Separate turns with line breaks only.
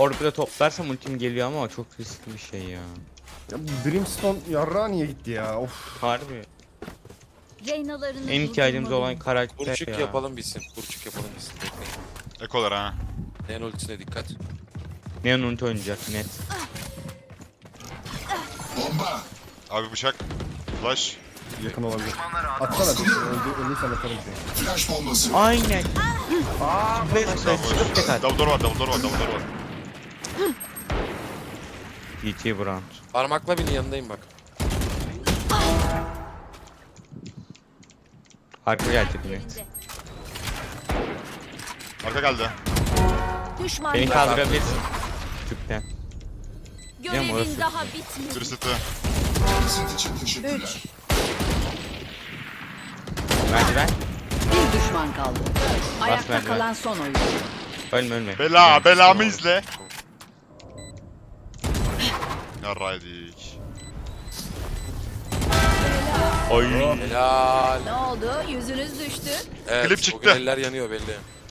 orbita toplarsam ultim geliyor ama çok riskli bir şey ya.
Ya bu Brimstone yarrağa niye gitti ya? Of.
Harbi.
Reynalarını
En ihtiyacımız olan
durdurmalıyım.
karakter
Burçuk
ya.
yapalım bitsin. Burçuk yapalım bitsin. Bekleyin.
Ekolar ha.
Neon ultisine dikkat.
Neon ulti oynayacak net.
Abi bıçak. Flash.
Yakın olabilir. Atsana bir şey. Öldüysen atarım seni.
Aynen. Çıkıp tek at.
Double door var, double door var, double door var.
DT Brand.
Parmakla binin yanındayım bak.
Arka gelecek net.
Arka geldi.
Düşman
Beni
yok.
kaldırabilirsin. Tüpten. Değil mi orası?
Görevin daha bitmedi.
Bir city.
3.
Merdiven.
Bir düşman kaldı. Ayakta
merdiven.
kalan son oyuncu.
Ölme ölme.
Belamı izle. Yarraydık.
Oy.
Helal.
Ne oldu? Yüzünüz düştü.
Evet,
Klip
o
çıktı.
gün eller yanıyor belli.